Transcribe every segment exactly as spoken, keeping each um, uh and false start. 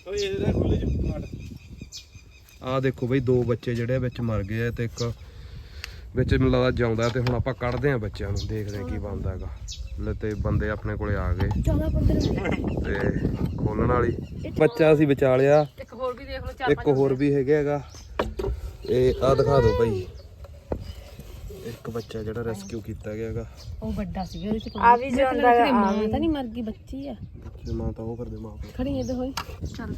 ਆ ਦੇਖੋ ਬਈ ਦੋ ਬੱਚੇ ਜਿਹੜੇ ਵਿੱਚ ਮਰ ਗਏ ਆ ਤੇ ਇੱਕ ਵਿੱਚ ਮੈਨੂੰ ਲੱਗਦਾ ਜਿਉਂਦਾ ਤੇ ਹੁਣ ਆਪਾਂ ਕੱਢਦੇ ਆ ਬੱਚਿਆਂ ਨੂੰ ਦੇਖਦੇ ਆ ਕੀ ਬਣਦਾ ਹੈਗਾ ਲੈ ਤੇ ਬੰਦੇ ਆਪਣੇ ਕੋਲੇ ਆ ਗਏ ਤੇ ਖੋਲਣ ਵਾਲੀ ਬੱਚਾ ਅਸੀਂ ਬਚਾ ਲਿਆ ਇੱਕ ਹੋਰ ਵੀ ਦੇਖ ਲਓ ਚਾਰ ਇੱਕ ਹੋਰ ਵੀ ਹੈਗਾ ਹੈਗਾ ਇਹ ਆ ਦਿਖਾ ਦਿਓ ਭਾਈ ਇੱਕ ਬੱਚਾ ਜਿਹੜਾ ਰੈਸਕਿਊ ਕੀਤਾ ਗਿਆ ਹੈਗਾ ਉਹ ਵੱਡਾ ਸੀ ਉਹਦੇ ਚ ਆ ਵੀ ਜਾਂਦਾ ਹੈ ਮਾਂ ਤਾਂ ਨਹੀਂ ਮਰ ਗਈ ਬੱਚੀ ਆ ਬੱਚੇ ਮਾਂ ਤਾਂ ਉਹ ਕਰਦੇ ਮਾਂ ਕੋਲ ਖੜੀ ਇਹਦੇ ਹੋਈ ਚੱਲ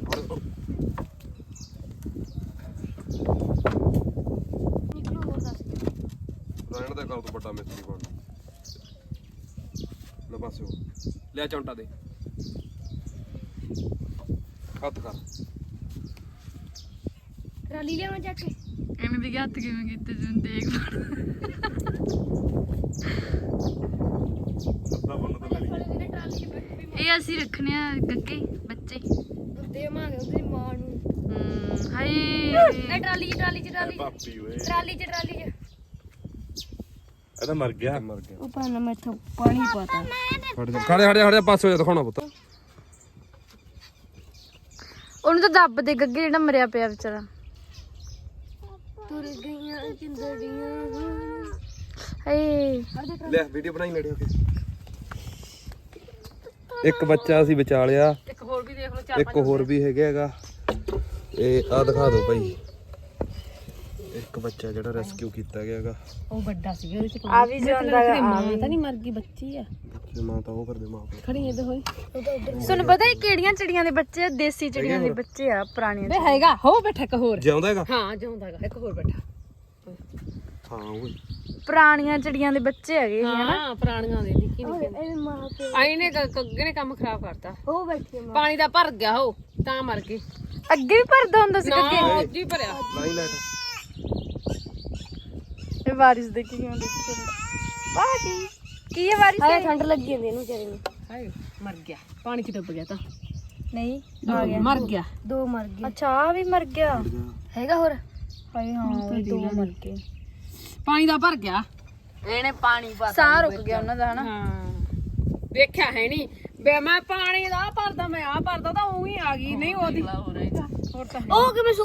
ਨਿਕਲੋ ਹੋਰ ਦੱਸ ਰਹਿਣ ਦਾ ਕਰ ਤੂੰ ਵੱਡਾ ਮਿਸਤਰੀ ਬਣ ਲੈ ਬਸ ਉਹ ਲੈ ਚੌਂਟਾ ਦੇ ਹੱਥ ਕਰ ਟਰਾਲੀ ਲਿਆਉਣਾ ਚੱਕ ਕੇ ਐਵੇਂ ਵੀ ਹੱਥ ਕਿਵੇਂ ਕੀਤੇ ਜਿਵੇਂ ਦੇਖ ਇਹ ਅਸੀਂ ਰੱਖਣੇ ਆ ਗੱਗੇ ਬੱਚੇ ਦੇਵਾਂਗੇ ਉਹਦੀ ਮਾਂ ਨੂੰ ਹਮ ਹਾਏ ਇਹ ਟਰਾਲੀ ਚ ਟਰਾਲੀ ਚ ਟਰਾਲੀ ਪਾਪੀ ਓਏ ਟਰਾਲੀ ਚ ਟਰਾਲੀ ਚ ਇਹ ਤਾਂ ਮਰ ਗਿਆ ਮਰ ਗਿਆ ਉਹ ਪਾਣਾ ਮੈਥੋਂ ਪਾਣੀ ਪਾਤਾ ਖੜ ਜਾ ਖੜੇ ਖੜੇ ਖੜੇ ਪਾਸੇ ਹੋ ਜਾ ਦਿਖਾਉਣਾ ਪੁੱਤ ਉਹਨੂੰ ਤਾਂ ਦੱਬ ਦੇ ਗੱਗੇ ਜਿਹੜਾ ਮਰਿਆ ਪਿਆ ਵਿਚਾਰਾ ਤੁਰ ਗਈਆਂ ਚਿੰਦੜੀਆਂ ਹਏ ਲੈ ਵੀਡੀਓ ਬਣਾਈ ਨੇੜੇ ਹੋ ਕੇ ਇੱਕ ਬੱਚਾ ਅਸੀਂ ਬਚਾ ਲਿਆ ਇੱਕ ਹੋਰ ਵੀ ਦੇਖ ਲਓ ਚਾਰ ਇੱਕ ਹੋਰ ਵੀ ਹੈਗਾ ਹੈਗਾ ਇਹ ਆ ਦਿਖਾ ਦਿਓ ਭਾਈ ਇੱਕ ਬੱਚਾ ਜਿਹੜਾ ਰੈਸਕਿਊ ਕੀਤਾ ਗਿਆ ਹੈਗਾ ਉਹ ਵੱਡਾ ਸੀ ਉਹਦੇ ਚ ਆ ਵੀ ਜਾਂਦਾ ਹੈ ਮਾਂ ਤਾਂ ਨਹੀਂ ਮਰ ਗਈ ਬੱਚੀ ਆ ਬੱਚੇ ਮਾਂ ਤਾਂ ਉਹ ਕਰਦੇ ਮਾਂ ਕੋਲ ਖੜੀ ਇਹਦੇ ਹੋਈ ਤੁਹਾਨੂੰ ਪਤਾ ਇਹ ਕਿਹੜੀਆਂ ਚਿੜੀਆਂ ਦੇ ਬੱਚੇ ਆ ਦੇਸੀ ਚਿੜੀਆਂ ਦੇ ਬੱਚੇ ਆ ਪੁਰਾਣੀਆਂ ਵੇ ਹੈਗਾ ਹੋ ਬੈਠਾ ਇੱਕ ਹੋਰ ਜਿਉਂਦਾ ਹੈਗਾ ਹਾਂ ਜਿਉਂਦਾਗਾ ਇੱਕ ਹੋਰ ਬੈਠਾ ਹਾਂ ਓਏ ਪੁਰਾਣੀਆਂ ਚਿੜੀਆਂ ਦੇ ਬੱਚੇ ਹੈਗੇ ਹਾਂ ਪੁਰਾਣੀਆਂ ਦੇ ਨਿੱਕੀ ਨਿੱਕੀ ਇਹ ਮਾਂ ਕੇ ਆਈ ਨੇ ਕੱਗੇ ਨੇ ਕੰਮ ਖਰਾਬ ਕਰਤਾ ਉਹ ਬੈਠੀ ਮਾਂ ਪਾਣੀ ਦਾ ਭਰ ਗਿਆ ਹੋ ਤਾਂ ਮਰ ਗਈ ਅੱਗੇ ਵੀ ਭਰਦਾ ਹੁੰਦਾ ਸੀ ਨਾ ਗੱਗੇ ਅੱਜ ਹੀ ਭਰਿਆ ਲਾਈ ਲਾਈਟ ਇਹ ਵਾਰਿਸ ਦੇ ਕੀ ਹੁੰਦੇ ਬਾਜੀ ਕੀ ਹੈ ਵਾਰਿਸ ਹਾਏ ਠੰਡ ਲੱਗੀ ਜਾਂਦੀ ਇਹਨੂੰ ਵਿਚਾਰੇ ਨੂੰ ਹਾਏ ਮਰ ਗਿਆ ਪਾਣੀ ਚ ਡੁੱਬ ਗਿਆ ਤਾਂ ਨਹੀਂ ਆ ਗਿਆ ਮਰ ਗਿਆ ਦੋ ਮਰ ਗਏ ਅੱਛਾ ਆ ਵੀ ਮਰ ਗਿਆ ਹੈਗਾ ਹੋਰ ਹਾਏ ਹਾਂ ਉਹ ਦੋ ਮਰ ਗਏ ਪਾਣੀ ਦਾ ਭਰ ਗਿਆ ਇਹਨੇ ਪਾਣੀ ਪਾ ਸਾਹ ਰੁਕ ਗਿਆ ਉਹਨਾਂ ਦਾ ਹਨਾ ਹਾਂ ਵੇਖਿਆ ਹੈ ਨਹੀਂ ਬੇ ਮੈਂ ਪਾਣੀ ਦਾ ਭਰਦਾ ਮੈਂ ਆ ਭਰਦਾ ਤਾਂ ਉਹੀ ਆ ਗਈ ਨਹੀਂ ਉਹਦੀ ਹੋਰ ਤਾਂ ਉਹ ਕਿਵੇਂ